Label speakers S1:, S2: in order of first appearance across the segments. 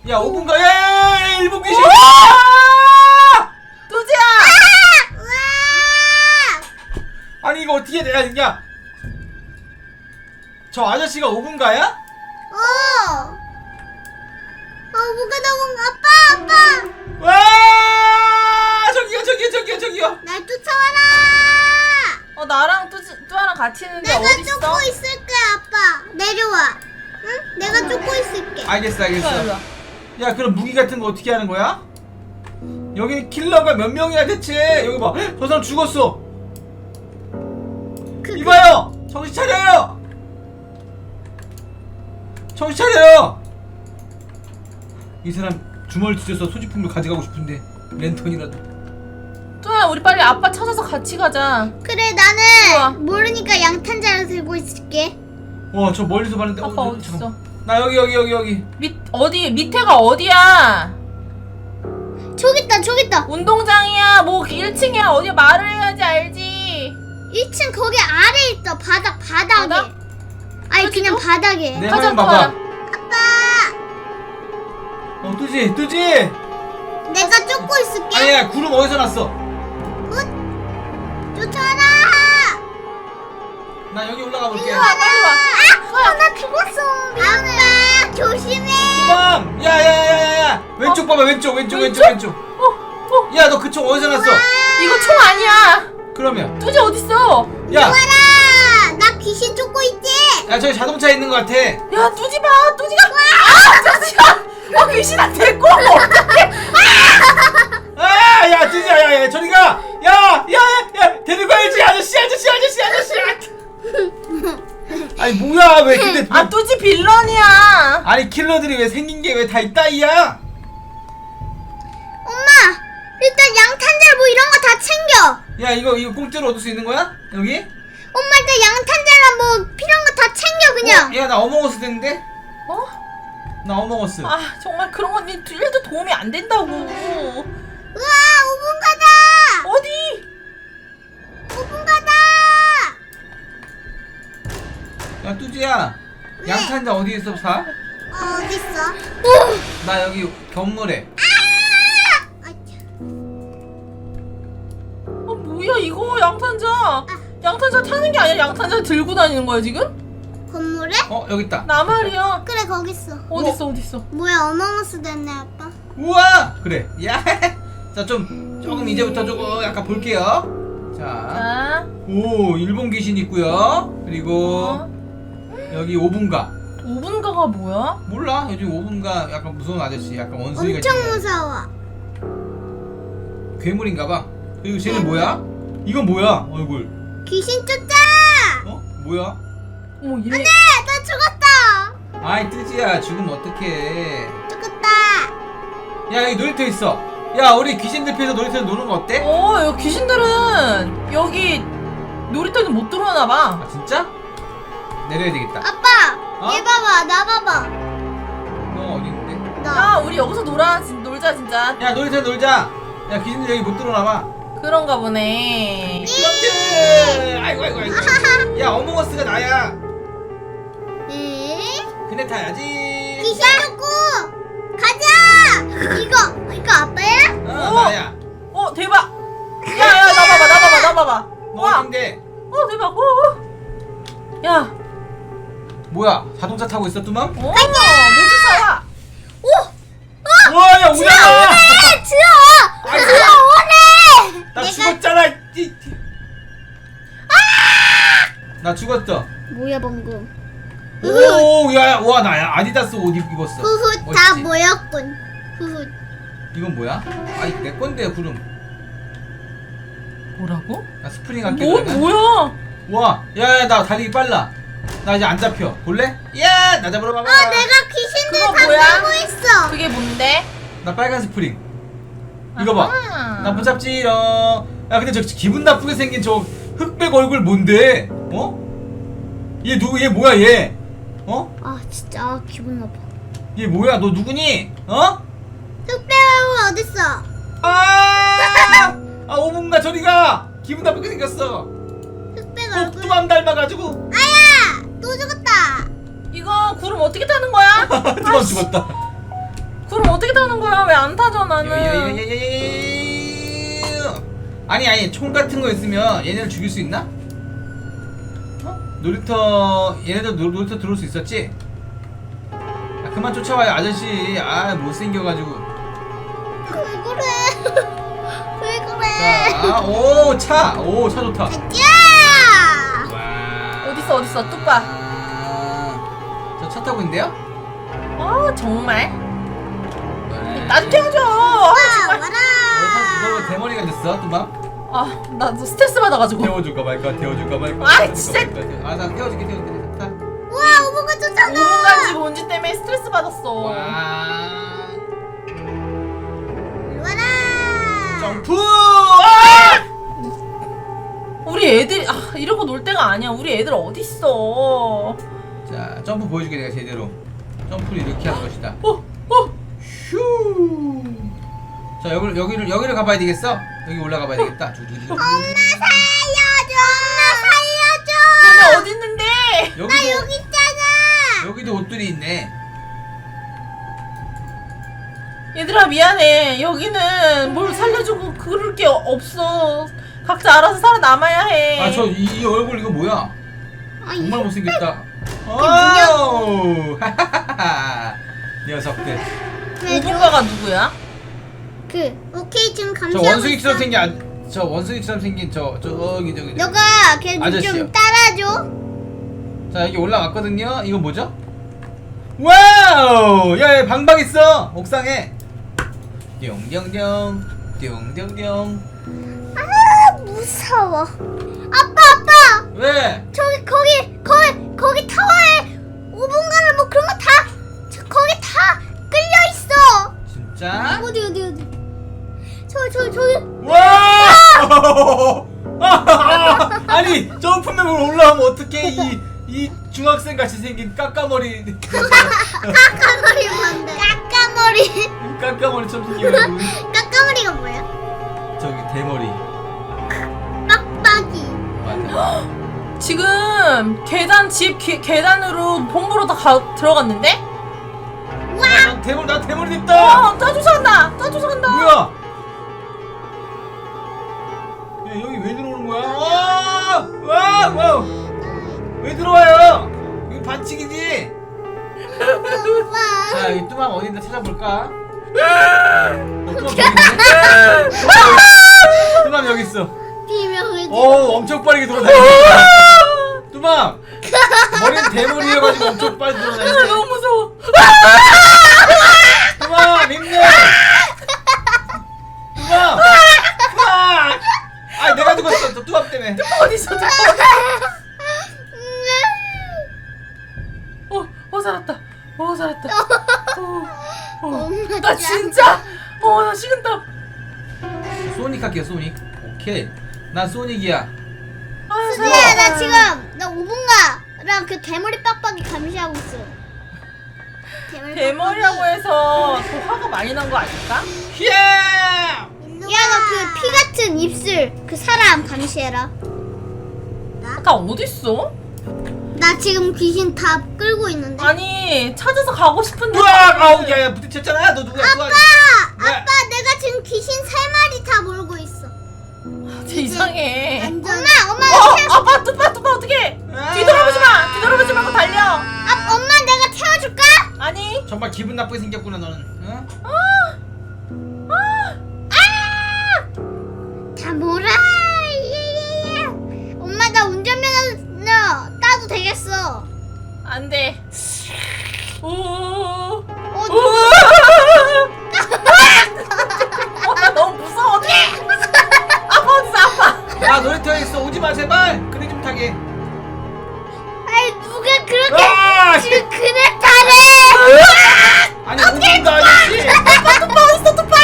S1: 야 5분 가. 야 1분 귀신.
S2: 뚜지야.
S1: 아니 이거 어떻게 돼? 야 저 아저씨가 5분 가야?
S3: 뭐가 나온 아빠.
S1: 와 저기요.
S3: 날 쫓아와라.
S2: 나랑 뚜아랑 같이 있는데
S3: 내가
S2: 어디 있어?
S3: 쫓고 있을게 아빠. 내려와. 응? 내가 쫓고 있을게.
S1: 알겠어.
S2: 일로 와.
S1: 야 그럼 무기 같은 거 어떻게 하는 거야? 여기 킬러가 몇 명이야 대체? 여기 봐. 저 사람 죽었어. 이봐요. 정신 차려요. 이 사람 주머니 뒤져서 소지품을 가져가고 싶은데 랜턴이라도.
S2: 뚜아 우리 빨리 아빠 찾아서 같이 가자.
S3: 그래
S2: 우와.
S3: 나는 모르니까 양탄자를 들고 있을게.
S1: 와 저 멀리서 봤는데.
S2: 아빠 어디 있어?
S1: 잠깐만. 나 여기.
S2: 어디 밑에가 어디야?
S3: 저기 있다.
S2: 운동장이야. 뭐 1층이야. 어디야? 말을 해야지 알지.
S3: 1층 거기 아래 있어. 바닥에.
S2: 바닥?
S3: 아니 그냥 바닥에.
S1: 내
S2: 가자,
S1: 화면 봐봐.
S3: 아빠.
S1: 뜨지.
S3: 내가 쫓고 있을게.
S1: 아니야 구름 어디서 났어?
S3: 쫓아와라.
S1: 나 여기 올라가 볼게.
S2: 빨리 와.
S3: 나 죽었어. 아빠 조심해.
S1: 맘! 야야야야야! 왼쪽 봐봐 왼쪽. 야 너 그 총 어디서 났어?
S2: 이거 총 아니야.
S1: 그러면
S2: 뚜지 어딨어?
S1: 야!
S3: 와라. 나 귀신 쫓고 있지.
S1: 야 저기 자동차에 있는 거 같아.
S2: 야 뚜지 봐. 뚜지가 귀신한테 데리고 어떡해.
S1: 아! 야 뜨지야 야 저리 가! 야 데리고 가야지 아저씨. 아니 뭐야 왜 근데
S2: 뚜지 빌런이야.
S1: 아니 킬러들이 왜 생긴 게 왜 다 있다 이야?
S3: 엄마. 일단 양탄자 뭐 이런 거 다 챙겨.
S1: 야 이거 공짜로 얻을 수 있는 거야? 여기?
S3: 엄마 일단 양탄자랑 뭐 필요한 거 다 챙겨 그냥.
S1: 야 나 어몽어스 됐는데?
S2: 어?
S1: 나 어몽어스.
S2: 정말 그런 건 1도 도움이 안 된다고.
S3: 우와 5분 가다.
S2: 어디?
S3: 5분 가다.
S1: 야 뚜지야
S3: 왜?
S1: 양탄자 어디에서 사?
S3: 어딨어?
S1: 나 여기 건물에.
S2: 뭐야 이거 양탄자 타는 게 아니라 양탄자 들고 다니는 거야 지금?
S3: 건물에?
S1: 여기 있다.
S2: 나 말이야.
S3: 그래 거기 있어.
S2: 어딨어?
S3: 뭐야 어몽어스 됐네 아빠.
S1: 우와 그래. 야 자 조금 이제부터 조금 약간 볼게요. 자
S2: 자,
S1: 오 일본 귀신 있고요. 그리고 여기 5분가
S2: 5분가가 뭐야?
S1: 몰라 요즘 5분가 약간 무서운 아저씨 약간 원숭이가
S3: 엄청
S1: 있는
S3: 무서워.
S1: 괴물인가봐. 그리고 쟤는 뭐야? 이건 뭐야 얼굴?
S3: 귀신 쫓자.
S1: 뭐야?
S2: 어머 얘.
S3: 나 죽었다.
S1: 아이 뜨지야 죽으면 어떡해.
S3: 죽었다.
S1: 야 여기 놀이터 있어. 야 우리 귀신들 피해서 놀이터에서 노는 거 어때?
S2: 여기 귀신들은 여기 놀이터에는 못 들어오나 봐.
S1: 아 진짜? 내려야 되겠다.
S3: 아빠 얘 봐봐 나 봐봐.
S1: 너 어디 있는데?
S3: 나.
S2: 야 우리 여기서 놀자 진짜.
S1: 야 놀이터에 놀자. 야 귀신들 여기 못 들어오나 봐.
S2: 그런가 보네.
S1: 그렇지. 아이고. 야 어몽어스가 나야.
S3: 에?
S1: 그네 타야지.
S3: 귀신 쫓고 가자. 이거 아빠야?
S1: 나야.
S2: 대박. 야야 나 봐봐.
S1: 너
S2: 와.
S1: 어딘데?
S2: 대박. 야.
S1: 뭐야? 자동차 타고 있어 뚜맘?
S2: 모두 사와.
S1: 와, 야 우야!
S3: 들어 오래.
S1: 나 죽었잖아. 나 죽었어.
S3: 뭐야 방금.
S1: 오, 야, 와 나야 아디다스 옷 입었어.
S3: 후훗 다
S1: 멋있지?
S3: 모였군. 후훗.
S1: 이건 뭐야? 아이 내 건데 구름.
S2: 뭐라고?
S1: 나 스프링 할게. 그러면.
S2: 뭐야?
S1: 와, 야, 나 달리기 빨라. 나 이제 안 잡혀. 볼래? 야, 나 잡으러 가봐.
S3: 내가 귀신들
S2: 그거
S3: 다
S2: 뭐야?
S3: 끌고 있어.
S2: 그게 뭔데?
S1: 나 빨간 스프링. 이거 봐.
S2: 아하.
S1: 나 못 잡지롱. 야, 근데 저 기분 나쁘게 생긴 저 흑백 얼굴 뭔데? 얘 누구? 얘 뭐야 얘?
S3: 아 진짜 기분 나빠.
S1: 얘 뭐야? 너 누구니?
S3: 흑배우 어딨어?
S1: 아! 5분가 저리가. 기분 나쁘게 생겼어.
S3: 흑백 얼굴.
S1: 꼭두맘 닮아가지고.
S3: 아야 또 죽었다.
S2: 이거 구름 어떻게 타는 거야?
S1: 두맘 죽었다.
S2: 구름 어떻게 타는 거야? 왜 안 타죠 나는?
S1: 아니 총 같은 거 있으면 얘네를 죽일 수 있나? 놀이터 얘네들 놀이터 들어올 수 있었지? 아, 그만 쫓아와요 아저씨. 아 못생겨가지고.
S3: 왜 그래? 왜 그래?
S1: 자, 차 좋다.
S3: 야!
S1: 와.
S2: 어딨어 뚝봐.
S1: 저 차 타고 있는데요?
S2: 정말?
S1: 네.
S2: 나도 태워줘.
S3: 와라!
S1: 너 대머리가 됐어 뚜밤?
S2: 나 스트레스 받아가지고.
S1: 태워줄까 말까.
S2: 아이, 진짜.
S1: 나 태워줄게. 자.
S3: 와, 오버가 쫓아가!
S2: 5분간지 뭔지 때문에 스트레스 받았어.
S1: 와.
S3: 와라!
S1: 점프!
S2: 우리 애들 이러고 놀 때가 아니야. 우리 애들 어딨어?
S1: 자, 점프 보여줄게 내가 제대로. 점프를 이렇게 하는 것이다. 휴. 자, 여기를 가봐야 되겠어? 여기 올라가 봐야 되겠다.
S3: 엄마 살려줘!
S2: 근데 어디 있는데?
S3: 나 여기 있잖아!
S1: 여기도 옷들이 있네.
S2: 얘들아 미안해. 여기는 뭘 살려주고 그럴 게 없어. 각자 알아서 살아남아야 해.
S1: 아, 이 얼굴 이거 뭐야? 정말 못생겼다.
S3: 뭐냐?
S1: 오우. 녀석들.
S2: 오분가가 누구야?
S3: 오케이 지금
S1: 저
S3: 감시하고
S1: 원숭이처럼
S3: 있어.
S1: 생긴 저 원숭이처럼 생긴 저기.
S3: 너가 걔
S1: 아저씨요.
S3: 좀 따라줘.
S1: 자, 여기 올라갔거든요. 이거 뭐죠? 와우! 야, 방방 있어. 옥상에. 띵띵띵. 띵띵띵.
S3: 아 무서워. 아빠
S1: 왜?
S3: 거기 타워에 5분간을 뭐 그런 거 다 거기 다 끌려 있어.
S1: 진짜?
S3: 어디 저기
S1: 와! 아니, 점프맵을 올라가면 어떡해? 이 중학생 같이 생긴 까까머리.
S3: 까까머리 뭔데?
S1: 까까머리처럼 생긴 얼굴.
S3: 까까머리가 뭐야?
S1: 저기 대머리.
S3: 빡빡이.
S1: 맞아.
S2: 지금 계단으로 본부로 다 들어갔는데?
S1: 나 대머리 됐다.
S2: 쫓아간다.
S1: 뭐야? 야, 여기 왜 들어오는 거야? 와! 왜 들어와요? 여기 반칙이지? 자, 여기 뚜맘 어디 있나 찾아볼까? 뚜맘 여기 있네? 뚜맘 여기 있어.
S3: 비명을
S1: 엄청 빠르게 돌아다니네. 뚜맘! 머리는 대머리여가지고 엄청 빨리 돌아다니네.
S2: 너무 무서워.
S1: 뚜맘! 힘내! 뚜맘! 아, 내가 죽었어. 뚜맘 때문에.
S2: 어디서 살았다.
S3: 엄마
S2: 나 진짜 나 식은땀.
S1: 소닉 할게요, 소닉. 오케이. 난 소닉이야.
S3: 수지야 나 지금 나 5분가랑 그 대머리 빡빡이 감시하고 있어.
S2: 대머리라고 해서 더 화가 많이 난 거 아닐까?
S1: 야!
S3: 야 너 그 피 같은 입술 그 사람 감시해라.
S2: 아까 어딨어?
S3: 나 지금 귀신 다 끌고 있는데.
S2: 아니 찾아서 가고 싶은데.
S1: 으악! 아우, 야, 부딪혔잖아. 너 누구야?
S3: 아빠
S1: 왜?
S3: 내가 지금 귀신 3마리 다 몰고 있어.
S2: 진짜 이상해.
S3: 엄마
S2: 아빠 뚜빠 어떡해? 뒤돌아보지 말고 달려.
S3: 엄마 내가 태워줄까?
S2: 아니.
S1: 정말 기분 나쁘게 생겼구나 너는. 응?
S3: 다 몰아. 엄마 나 운전면허 따도 되겠어.
S2: 안 돼. 나 너무 무서워. 어떡해? 아빠 어딨어 아빠?
S1: 아, 놀이터에 있어. 오지 마 제발. 그네 좀 타게.
S3: 아이 누가 그렇게
S1: 아!
S3: 지금 그네 타래?
S1: 아니, 오지도 아저씨.
S2: 뚜빠 어딨어 뚜빠?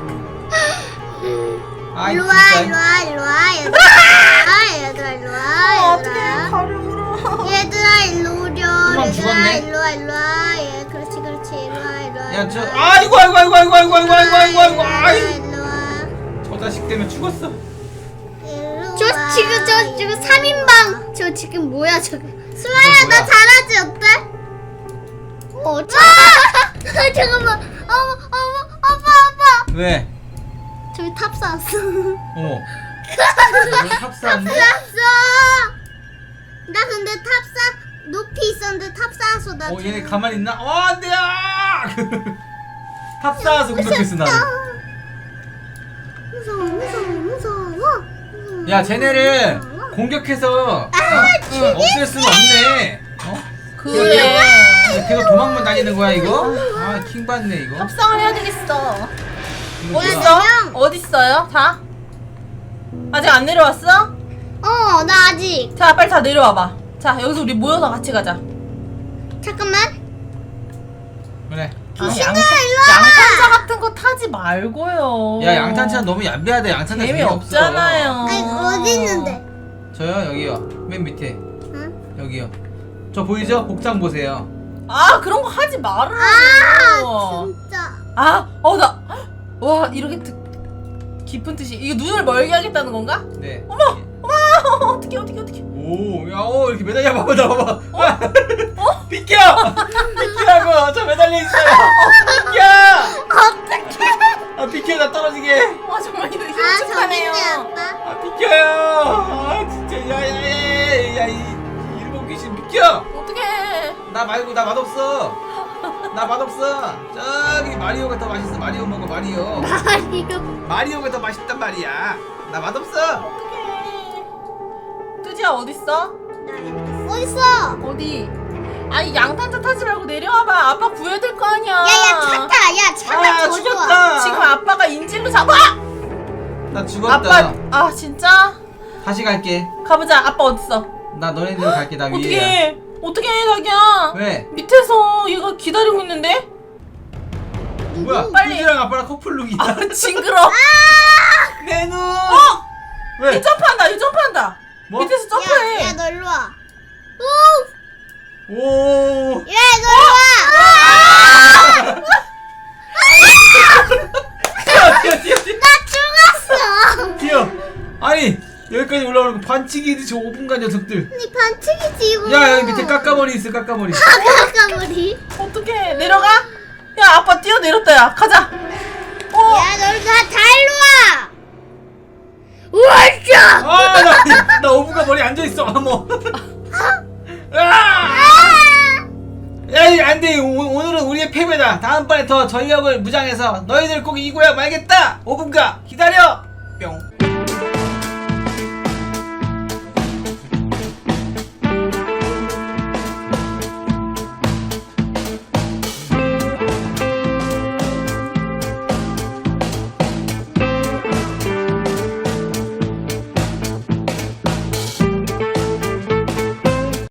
S1: 아이,
S3: 일로와
S1: 진짜.
S3: 일로와 얘들아
S2: 어떡해 가려울어.
S3: 얘들아 일로 오렴.
S1: 그만
S3: 얘들아
S1: 죽었네.
S3: 일로와 예 그렇지 일로와
S1: 야, 저 아이고. 아이.
S3: 일로와
S1: 저 자식 때문에 죽었어.
S3: 저 지금 3인방 저 지금 뭐야 저게. 수아야 나 잘하지 어때? 잠깐만. 어머
S1: 왜?
S3: 저기 탑 쌓았어.
S1: 어머. 탑사한데?
S3: 쌓았어. 나 근데 높이 있었는데 탑 쌓았어. 나
S1: 얘네 가만히 있나? 안돼! 탑 쌓아서 공격했어 나를.
S3: 무서워.
S1: 야 쟤네를 공격해서 없앨 수는 없네.
S2: 그래.
S1: 계속 도망만 다니는 거야 이거? 아 킹받네 이거.
S2: 협상을 해야 되겠어.
S1: 이거 뭐야?
S2: 어딨어? 어딨어요? 다? 아직 안 내려왔어?
S3: 나 아직.
S2: 자 빨리 다 내려와봐. 자 여기서 우리 모여서 같이 가자.
S3: 잠깐만.
S1: 그래.
S3: 귀신아,
S2: 양탄-
S3: 일로 와.
S2: 양탄차 같은 거 타지 말고요.
S1: 야 양탄차 너무 얌비하다. 양탄차
S2: 재미없잖아요.
S3: 아니 어디 있는데?
S1: 저요 여기요. 맨 밑에
S3: 응?
S1: 여기요. 저 보이죠? 복장 보세요.
S2: 아 그런 거 하지 말아요.
S3: 진짜.
S2: 와 이렇게 깊은 뜻이 이게 눈을 멀게 하겠다는 건가?
S1: 네.
S2: 어떻게
S1: 오, 이렇게 매달려 봐봐, 나 봐봐. 비켜! 비키라고! 저 매달려 있어요! 비켜!
S3: 어떡해?
S1: 아, 비켜, 나 떨어지게!
S2: 와 정말 이거
S3: 저기 있네
S2: 끔찍하네요.
S3: 아빠.
S1: 아, 비켜요! 아, 진짜, 야, 이 일본 귀신 비켜!
S2: 어떡해.
S1: 나 말고, 나 맛없어! 나 맛없어! 저기, 마리오가 더 맛있어, 마리오 먹어, 마리오. 마리오가 더 맛있단 말이야. 나 맛없어!
S2: 어떡해. 뚜지야 어딨어?
S3: 어딨어?
S2: 어디? 아니 양탄차 타지 말고 내려와봐. 아빠 구해야 될 거 아니야.
S3: 야야 차다. 야 차가
S1: 아,
S3: 더 좋아.
S1: 죽었다!
S2: 지금 아빠가 인질로 잡아.
S1: 나 죽었다.
S2: 아빠 진짜?
S1: 다시 갈게.
S2: 가보자. 아빠 어딨어?
S1: 나 너네들 갈게, 나 위에.
S2: 어떻게 해 자기야?
S1: 왜?
S2: 밑에서 얘가 기다리고 있는데?
S1: 뭐야?
S2: 빨리.
S1: 뚜지랑 아빠랑 커플룩이야.
S2: 아 징그러.
S1: 내 눈!
S2: 이 점프한다. 이 점프한다.
S1: 뭐?
S2: 밑에서 점프해.
S3: 야너 일로 와.
S1: 오!
S3: 야 너 일로 와.
S1: 뛰어!
S3: 나 죽었어.
S1: 뛰어! 아니, 여기까지 올라오는 거 반칙이지, 저 5분간 녀석들.
S3: 아니 반칙이지 이거.
S1: 야, 여기 밑에 깎아머리 있어, 깎아머리.
S3: 까까머리.
S2: 어떡해. 내려가? 야 아빠 뛰어내렸다 야. 가자.
S3: 야 너 다 일로 와. 우와짜.
S1: 아, 나 5분간 머리 앉아있어, 뭐. 아! 야, 안 돼. 오늘은 우리의 패배다. 다음번에 더 전력을 무장해서 너희들 꼭 이겨야 말겠다. 5분간 기다려. 뿅.